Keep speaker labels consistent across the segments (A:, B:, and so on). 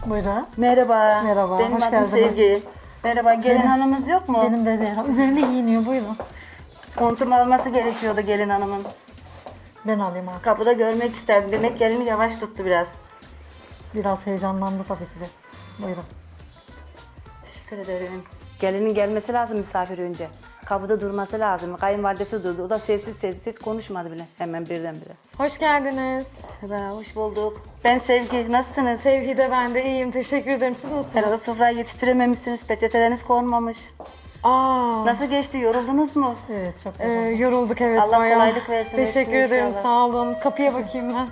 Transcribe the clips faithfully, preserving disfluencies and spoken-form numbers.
A: Buyurun.
B: Merhaba.
A: Merhaba,
B: Benim
A: hoş
B: adım
A: geldiniz.
B: Sevgi. Merhaba, gelin
A: Benim-
B: hanımız yok mu?
A: Benim de Zehra. Üzerine giyiniyor, buyurun.
B: Montum alması gerekiyordu gelin hanımın.
A: Ben alayım artık.
B: Kapıda görmek isterdim. Demek gelini yavaş tuttu biraz.
A: Biraz heyecanlandı tabii ki de. Buyurun.
B: Teşekkür ederim. Gelinin gelmesi lazım misafir önce. Kapıda durması lazım. Kayınvalidesi durdu. O da sessiz sessiz hiç konuşmadı bile. Hemen birdenbire.
C: Hoş geldiniz.
B: Merhaba, hoş bulduk. Ben Sevgi. Nasılsınız?
C: Sevgi de ben de iyiyim. Teşekkür ederim. Siz nasılsınız?
B: Herhalde sofrayı yetiştirememişsiniz. Peçeteleriniz konmamış.
C: Aa,
B: Nasıl geçti? Yoruldunuz mu?
A: Evet, çok
C: e,
A: yoruldum.
C: yorulduk evet
B: Allah
C: bayağı.
B: kolaylık versin
C: Teşekkür
B: hepsine
C: ederim.
B: inşallah.
C: Sağ olun. Kapıya bakayım ben.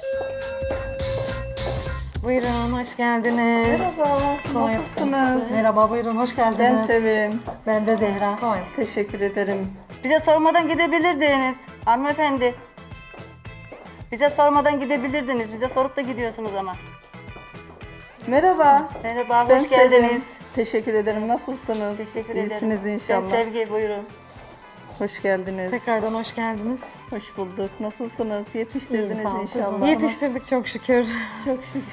C: Buyurun, hoş geldiniz.
D: Merhaba,
C: Kolay
D: nasılsınız?
A: Merhaba, buyurun. Hoş geldiniz.
D: Ben Sevim.
A: Ben de Zehra.
C: Kolay.
D: Teşekkür ederim.
B: Bize sormadan gidebilirdiniz. Hanımefendi. Bize sormadan gidebilirdiniz. Bize sorup da gidiyorsunuz ama.
D: Merhaba.
B: Merhaba,
D: Ben
B: hoş geldiniz.
D: Sevim. Teşekkür ederim. Nasılsınız?
B: Teşekkür
D: İyisiniz
B: ederim.
D: inşallah.
B: Ben Sevgi, buyurun.
D: Hoş geldiniz.
C: Tekrardan hoş geldiniz.
D: Hoş bulduk. Nasılsınız? Yetiştirdiniz
A: İyiyim, sağ olun.
D: inşallah.
C: Yetiştirdik çok şükür.
D: Çok şükür.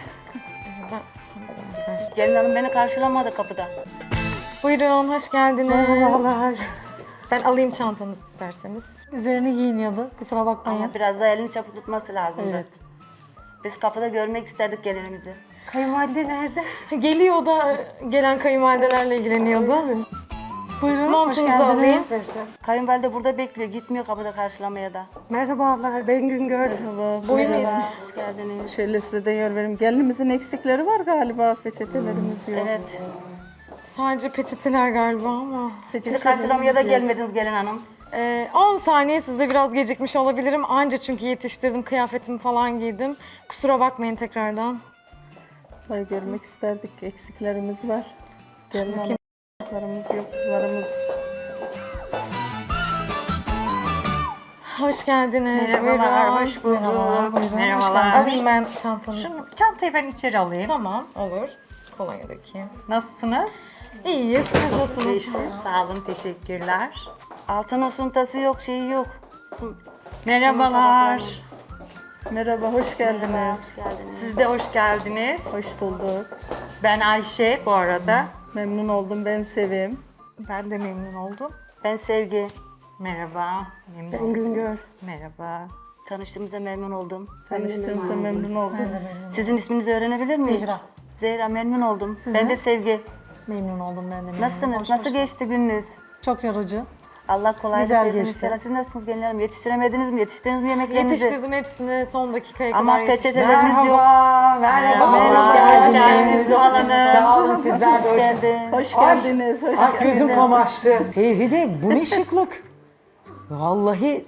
B: Gelin hanım beni karşılamadı kapıda.
C: Buyurun, hoş geldiniz.
A: Merhabalar.
C: Ben alayım çantanızı isterseniz.
A: Üzerine giyiniyordu. Kusura bakmayın.
B: Ama biraz da elini çabuk tutması lazımdı.
A: Evet.
B: Biz kapıda görmek isterdik gelinimizi.
A: Kayınvalide nerede?
C: Geliyor da gelen kayınvalidelerle ilgileniyordu.
A: Buyurun, hoş
C: Montunuzu
A: geldiniz.
B: Kayınvalide burada bekliyor. Gitmiyor kapıda karşılamaya da.
A: Merhabalar, ben Güngör.
D: Merhaba.
C: Buyurun.
B: Merhaba, hoş geldiniz.
D: Şöyle size de yer vereyim. Gelinimizin eksikleri var galiba. Peçetelerimiz yok.
B: Evet.
C: Sadece peçeteler galiba ama.
B: Bizi karşılamaya da gelmediniz gelin hanım.
C: Ee, on saniye sizde biraz gecikmiş olabilirim. Anca çünkü yetiştirdim, kıyafetimi falan giydim. Kusura bakmayın tekrardan.
D: Vallahi görmek isterdik. Eksiklerimiz var. Gelin hanımlarımız, yoksullarımız.
C: Hoş geldiniz.
E: Merhabalar,
C: Buyurun.
E: hoş bulduk.
A: Merhabalar, buyurun.
E: Merhabalar.
C: Alayım ben çantanızı.
E: Şunu, çantayı ben içeri alayım.
C: Tamam, olur. Kolonya dökeyim.
E: Nasılsınız?
C: İyiyiz, siz nasılsınız?
E: İşte, sağ olun, teşekkürler.
B: Altının suntası yok, şeyi yok. Sun-
E: Merhabalar.
D: Merhaba, hoş geldiniz.
B: Hoş geldiniz.
E: Siz de hoş geldiniz.
D: Hoş bulduk.
E: Ben Ayşe bu arada.
D: Memnun oldum. Ben Sevim.
E: Ben de memnun oldum.
B: Ben Sevgi.
E: Merhaba. Memnun
A: Ben
E: oldum.
A: Güngör.
E: Merhaba.
B: Tanıştığımıza memnun oldum.
D: Tanıştığımıza memnun oldum.
B: Sizin isminizi öğrenebilir miyim?
A: Zehra.
B: Zehra, memnun oldum.
A: Sizin?
B: Ben de Sevgi.
A: Memnun oldum ben de. Memnun.
B: Nasılsınız?
A: Hoş,
B: Nasıl
A: hoş.
B: geçti gününüz?
A: Çok yorucu.
B: Allah kolaylık
A: Güzel
B: versin
A: geçti.
B: inşallah. Siz nasılsınız gelin hanım? Yetiştiremediniz mi? Yetiştirdiniz mi yemeklerinizi?
C: Yetiştirdim hepsini son dakikaya
B: Ama
C: kadar yetiştirdim.
B: peçeteleriniz yok.
F: Merhaba,
B: Merhaba,
F: hoş
B: hoş
F: geldiniz.
B: geldiniz Zuhal Hanım.
F: Sağ olun, sizler de
B: Hoş
F: hoş
B: geldin.
D: Hoş geldiniz. Hoş
F: Ay gözüm
D: geldiniz.
F: kamaştı. Tevhide bu ne şıklık. Vallahi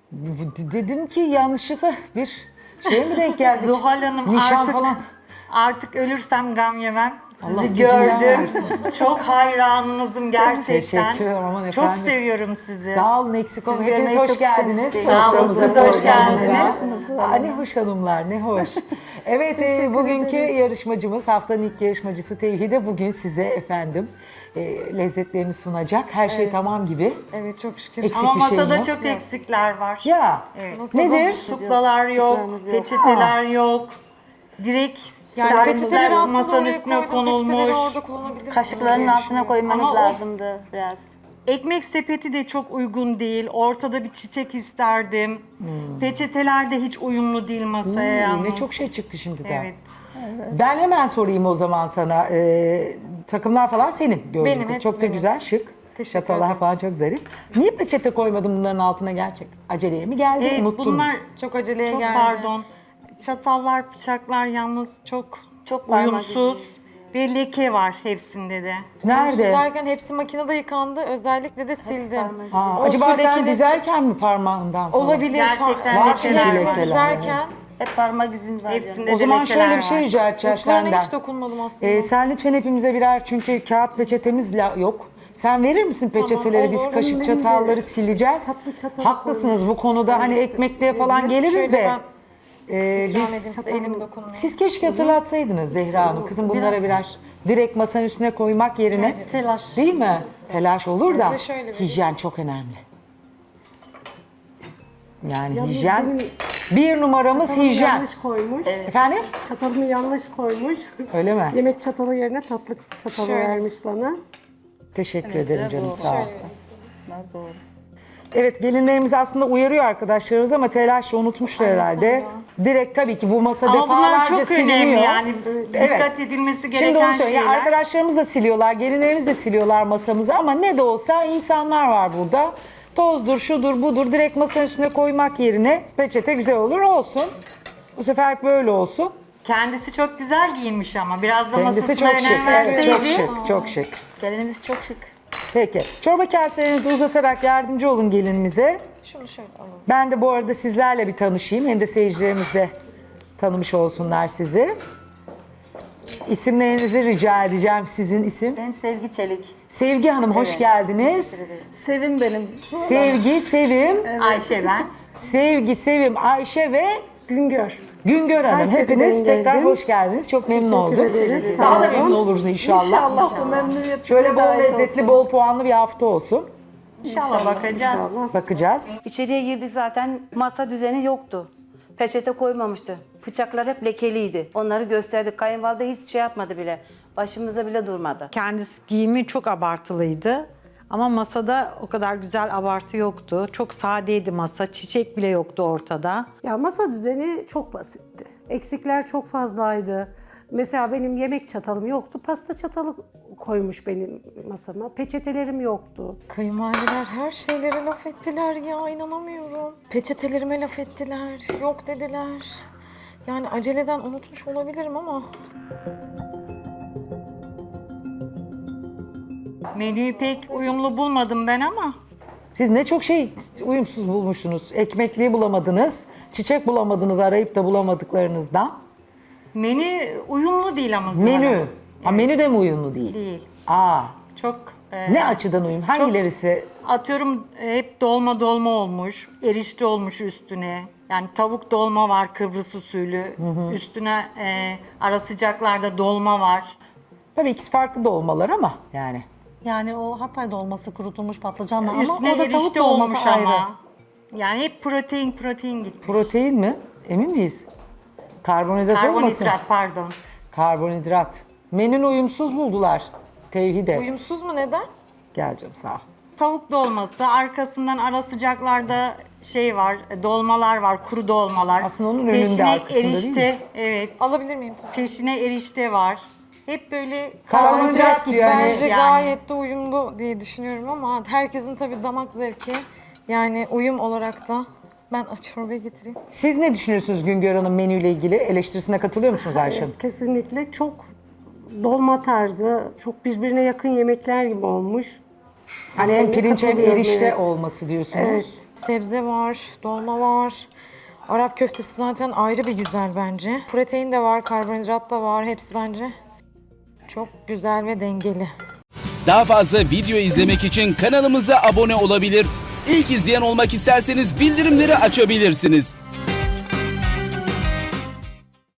F: d- dedim ki yanlışlıkla bir şeye mi denk geldik?
E: Zuhal Hanım
F: Nişan
E: artık,
F: falan.
E: artık ölürsem gam yemem. Sizi
F: Allah gecinden
E: gördüm.
F: versin.
E: Çok hayranınızım gerçekten.
F: Teşekkür ederim, aman
E: Çok
F: efendim.
E: seviyorum sizi.
F: Sağ olun, eksik olun.
B: Sizi
F: Hepiniz
B: görmeyi
F: hoş
B: çok
F: geldiniz.
B: istemiştim.
E: Sağ olun,
F: Soframıza,
E: siz de hoş
F: programımıza.
E: geldiniz.
F: Aa, ne hoş hanımlar, ne hoş. Evet, e, bugünkü yarışmacımız, haftanın ilk yarışmacısı Tevhide bugün size efendim e, lezzetlerini sunacak. Her şey tamam gibi.
C: Evet, çok şükür.
F: Eksik
E: Ama
F: bir şey
E: masada
F: yok.
E: çok eksikler var.
F: Ya,
E: Evet.
F: nedir?
E: Suklalar yok,
B: Sularımız yok.
E: peçeteler yok. Direkt
C: Yani
E: servisler
C: peçeteleri aslında
E: masanın
C: oraya
E: üstüne
C: koydum, peçeteleri
E: konulmuş.
C: orada kullanabilirsiniz
B: Kaşıkların
C: diye
B: altına
C: düşünüyorum.
B: koymanız
E: Ama o-
B: lazımdı biraz.
E: Ekmek sepeti de çok uygun değil. Ortada bir çiçek isterdim. Peçeteler de hiç uyumlu değil masaya
F: Hmm,
E: yalnız.
F: ne çok şey çıktı şimdiden.
E: Evet.
F: Ben hemen sorayım o zaman sana. Ee, takımlar falan senin gördüğüm
C: Benim,
F: kadarıyla.
C: hepsi
F: Çok da
C: benim.
F: güzel, şık.
C: Teşekkür
F: Çatallar
C: ederim.
F: falan çok zarif. Niye peçete koymadın bunların altına gerçekten? Aceleye mi geldi,
E: Evet,
F: unuttun mu?
E: bunlar
C: Çok aceleye
E: çok
C: geldi.
E: pardon. Çatallar, bıçaklar yalnız çok
B: Çok parmak
E: uyumsuz. Bir leke var hepsinde de.
F: Nerede?
C: Derken hepsi makinede yıkandı. Özellikle de sildim.
B: parmak izi.
F: Aa,
C: O
F: acaba
C: su
F: sen
C: lekesi-
F: dizerken mi parmağından falan?
C: Olabilir.
E: Gerçekten
C: Var
E: lekeler
C: çünkü
F: var.
C: hepsini dizerken
B: Hep parmak izin var.
E: Hepsinde
B: yani.
F: O zaman
E: de
F: şöyle
E: lekeler
F: bir şey
E: var.
F: rica edeceğiz
C: uçlarına
F: senden.
C: hiç dokunmadım aslında.
F: Ee, sen lütfen hepimize birer, çünkü kağıt peçetemiz la- yok. Sen verir misin peçeteleri?
C: olur.
F: Biz kaşık çatalları sileceğiz.
A: tatlı çatal
F: Haklısınız bu konuda, hani ekmekliğe falan geliriz
C: Şöyle
F: de.
C: ben
F: Ee,
C: ikram
F: biz
C: edeyim size, elim dokunmuyor.
F: Siz keşke hatırlatsaydınız Zehra Hanım. Kızım bunlara birer direkt masanın üstüne koymak yerine.
A: Telaş.
F: Değil mi? Telaş olur da
C: Size şöyle vereyim.
F: hijyen çok önemli. Yani hijyen Bir numaramız
G: Çatalımı
F: hijyen.
G: yanlış koymuş.
F: Efendim?
G: Çatalımı yanlış koymuş.
F: Öyle mi?
G: Yemek çatalı yerine tatlı çatalı
C: Şöyle.
G: vermiş bana.
F: Teşekkür ederim canım
D: doğru.
F: sağ ol.
D: Bunlar doğru.
F: Evet gelinlerimiz aslında uyarıyor arkadaşlarımız ama telaşla unutmuşlar herhalde. Direkt tabii ki bu masa
E: Ama bunlar
F: defalarca
E: çok
F: siliniyor.
E: önemli yani.
F: Evet.
E: Dikkat edilmesi
F: Şimdi
E: gereken
F: onu söyleyeyim.
E: şeyler.
F: Arkadaşlarımız da siliyorlar, gelinlerimiz de siliyorlar masamızı ama ne de olsa insanlar var burada. Tozdur, şudur, budur direkt masanın üstüne koymak yerine peçete güzel olur olsun. Bu sefer böyle olsun.
E: Kendisi çok güzel giyinmiş ama biraz da
F: Kendisi
E: masasına
F: çok şık.
E: önem
F: Evet, çok
E: verseydi.
F: şık, çok şık.
B: Gelinimiz çok şık.
F: Peki. Çorba kaselerinizi uzatarak yardımcı olun gelinimize.
C: Şunu şöyle alalım.
F: Ben de bu arada sizlerle bir tanışayım. Hem de seyircilerimiz de tanımış olsunlar sizi. İsimlerinizi rica edeceğim. Sizin isim?
B: Benim Sevgi Çelik.
F: Sevgi Hanım hoş
B: Evet,
F: geldiniz.
D: Sevim benim.
F: Sevgi, Sevim,
E: Ayşe ben.
F: Sevgi, Sevim, Ayşe ve
G: Güngör.
F: Güngör Hanım.
G: Kayseri'den
F: Hepiniz tekrar
G: geldim.
F: hoş geldiniz. Çok memnun oldum.
G: ederiz.
F: Daha da
G: Sağ olun.
F: memnun oluruz inşallah.
D: İnşallah bu memnuniyet
F: Şöyle
D: bize
F: bol
D: de ait
F: lezzetli,
D: olsun.
F: bol puanlı bir hafta olsun.
E: İnşallah bakacağız.
F: Bakacağız.
B: İçeriye girdik zaten masa düzeni yoktu. Peçete koymamıştı. Bıçaklar hep lekeliydi. Onları gösterdik. Kayınvalide hiç şey yapmadı bile. Başımıza bile durmadı.
H: Kendisi giyimi çok abartılıydı. Ama masada o kadar güzel abartı yoktu. Çok sadeydi masa. Çiçek bile yoktu ortada.
G: Ya masa düzeni çok basitti. Eksikler çok fazlaydı. Mesela benim yemek çatalım yoktu. Pasta çatalı koymuş benim masama. Peçetelerim yoktu.
C: Kayınvalideler her şeylere laf ettiler ya, inanamıyorum. Peçetelerime laf ettiler, yok dediler. Yani aceleden unutmuş olabilirim ama
E: Menüyü pek uyumlu bulmadım ben ama.
F: Siz ne çok şey uyumsuz bulmuşsunuz. Ekmekliği bulamadınız. Çiçek bulamadınız arayıp da bulamadıklarınızdan.
E: Menü uyumlu değil ama Zuhal
F: Menü.
E: Hanım.
F: Ha, menü de mi uyumlu değil?
E: Değil.
F: Aa.
E: Çok e,
F: Ne açıdan uyum? Hangilerisi?
E: atıyorum e, hep dolma dolma olmuş. Erişte olmuş üstüne. Yani tavuk dolma var Kıbrıs usulü. Üstüne e, ara sıcaklarda dolma var.
F: Tabii ikisi farklı dolmalar ama yani.
A: Yani o Hatay dolması kurutulmuş patlıcanla ama
E: Üstüne
A: o da tavuk
E: erişte
A: dolması
E: olmuş
A: ayrı.
E: ama. Yani hep protein protein gitmiş.
F: Protein mi? Emin miyiz? Karbonhidrat olmasın?
E: Karbonhidrat pardon.
F: Karbonhidrat. Menün uyumsuz buldular. Tevhide.
C: uyumsuz mu, neden?
F: Gel canım sağ ol.
E: Tavuk dolması, arkasından ara sıcaklarda şey var, e, dolmalar var, kuru dolmalar.
F: Aslında onun önünde,
E: Peşine
F: arkasında değil
E: erişte,
F: mi?
E: evet.
C: Alabilir miyim tabii?
E: Peşine erişte var. Hep böyle
F: Karbonhidrat diyor yani.
C: Bence
E: yani.
C: gayet de uyumlu diye düşünüyorum ama herkesin tabii damak zevki, yani uyum olarak da ben çorba getireyim.
F: Siz ne düşünüyorsunuz Güngör Hanım menüyle ilgili? Eleştirisine katılıyor musunuz Ayşe Hanım?
G: Kesinlikle çok dolma tarzı, çok birbirine yakın yemekler gibi olmuş.
F: Hani hem pirinç hem
G: Katılıyorum,
F: erişte
G: evet.
F: olması diyorsunuz.
G: Evet.
C: Sebze var, dolma var. Arap köftesi zaten ayrı bir güzel bence. Protein de var, karbonhidrat da var. Hepsi bence çok güzel ve dengeli.
I: Daha fazla video izlemek için kanalımıza abone olabilir. İlk izleyen olmak isterseniz bildirimleri açabilirsiniz.